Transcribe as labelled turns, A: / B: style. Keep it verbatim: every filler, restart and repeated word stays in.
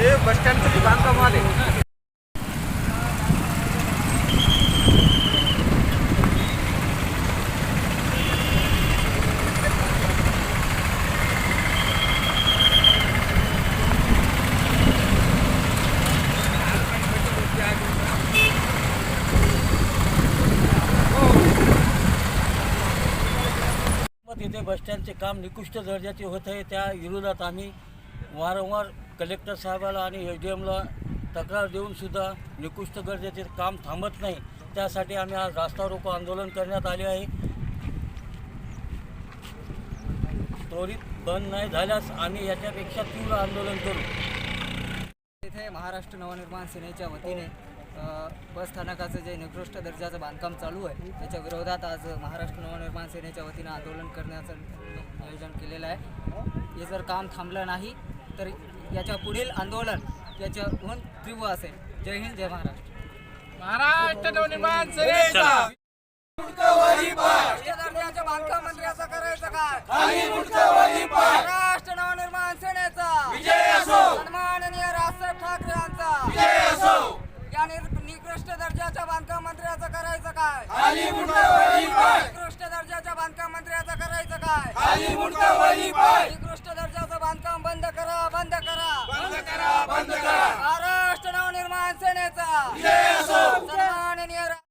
A: हे बस स्टँडचं बांधकाम आले.
B: तिथे बसस्टँडचे काम निकृष्ट दर्जाचे होत आहे. त्या विरोधात आम्ही वारंवार कलेक्टर साहेबाला आणि एस डी एमला तक्रार देऊनसुद्धा निकृष्ट दर्जाचे काम थांबत नाही. त्यासाठी आम्ही आज रास्ता रोको आंदोलन करण्यात आले आहे. त्वरित बंद नाही झाल्यास आम्ही याच्यापेक्षा तीव्र आंदोलन करू.
C: इथे महाराष्ट्र नवनिर्माण सेनेच्या वतीने बस स्थानकाचं जे निकृष्ट दर्जाचं बांधकाम चालू आहे त्याच्या विरोधात आज महाराष्ट्र नवनिर्माण सेनेच्या वतीनं आंदोलन करण्याचं नियोजन केलेलं आहे. हे जर काम थांबलं नाही तर याच्या पुढील आंदोलन याच्याहून तीव्र असेल. जय हिंद, जय महाराष्ट्र.
A: महाराष्ट्र नवनिर्माण सेनेचा
C: दर्जाच्या बांधकाम मंत्र्याचं करायचं काय? महाराष्ट्र नवनिर्माण सेनेचा सन्माननीय राजसाहेब ठाकरे यांचा या निकृष्ट दर्जाच्या बांधकाम मंत्र्याचं करायचं काय? निकृष्ट दर्जाच्या बांधकाम मंत्र्याचं करायचं काय?